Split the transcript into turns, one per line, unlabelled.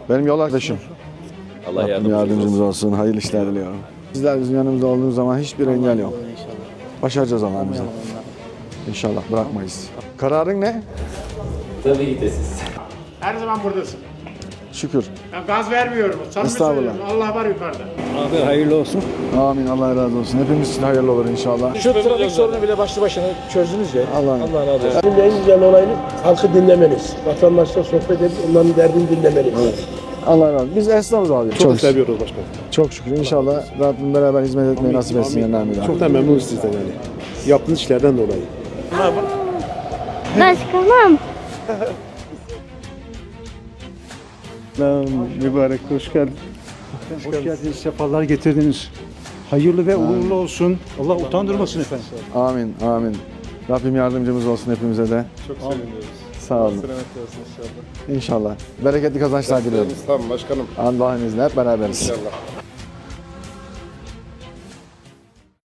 Benim yol arkadaşım.
Allah
Yardımcımız olsun. Hayırlı işler diliyorum. Sizler bizim yanımızda olduğunuz zaman hiçbir engel yok. Başaracağız Allah'ımıza. İnşallah bırakmayız. Kararın ne?
Tabii ki de siz.
Her zaman buradasın.
Şükür.
Ben gaz vermiyorum. Samimi
Estağfurullah.
söylüyorum. Allah var yukarıda.
Abi hayırlı olsun.
Amin. Allah razı olsun. Hepimiz için hayırlı olur inşallah.
Şu trafik sorunu bile başlı başına çözdünüz ya.
Allah
razı olsun.
Şimdi en güzel olayını halkı dinlemeniz. Vatandaşla sohbet edip onların derdini dinlemeniz.
Allah razı olsun. Biz esnafız abi.
Çok seviyoruz başkanım.
Çok şükür. İnşallah Rabbim beraber hizmet etmeyi nasip etsin yanlarına.
Çok da memnunuz sizden yani. Yaptığınız işlerden dolayı.
Başkanım.
Mübarek, hoş geldin. Hoş geldiniz, sefalar getirdiniz. Hayırlı ve uğurlu olsun. Allah utandırmasın efendim.
Amin. Amin. Rabbim yardımcımız olsun hepimize de.
Çok seviniyoruz.
Sağ olun.
Selamet olsun inşallah.
İnşallah. Bereketli kazançlar diliyorum.
Tamam başkanım.
Allah'ın izniyle hep beraberiz.
İnşallah.